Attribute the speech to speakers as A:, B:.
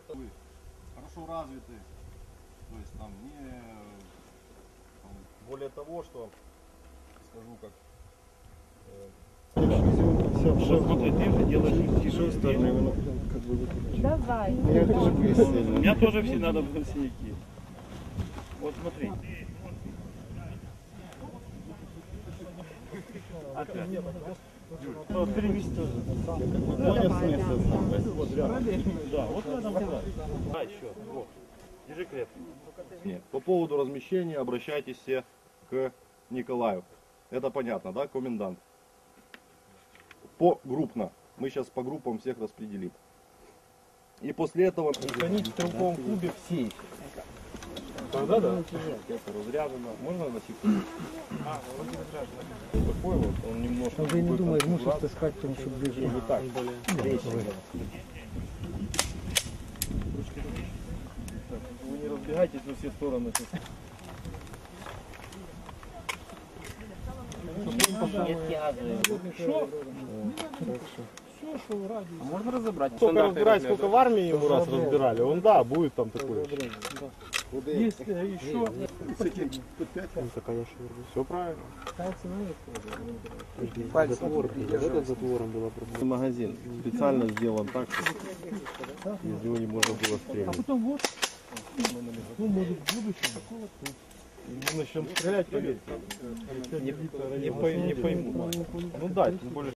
A: Хорошо развиты, то есть там не... Более того, что скажу как...
B: Смотри, ты же делаешь
C: Давай.
B: У меня тоже все надо было синяки. Вот смотри. Опять. Вот перевести тоже.
A: Понял смысл сам,
B: Да, вот в этом дело. А, еще. Вот. Держи крепко.
A: Нет. По поводу размещения обращайтесь все к Николаю. Это понятно, да, комендант? Погруппно. Мы сейчас по группам всех распределим. И после этого...
D: Хранить в стрелковом клубе в сейфе. Тогда да.
A: Это разряжено. Можно на секунду? Такой вот, он немножко...
D: Я не думаю, мусор таскать, потому что ближе.
A: Не так.
B: Вы не разбегайтесь во все стороны.
D: Можно разобрать? Сколько разбирать, сколько в армии ему раз разбирали, он да, будет там такой.
B: Есть еще.
D: Это, конечно, все правильно.
A: Магазин специально сделан так, чтобы из него не можно было стрелять.
B: Ну, может, в будущем такого-то. Мы начнем стрелять, поверьте. Не пойму. Ну да, тем более.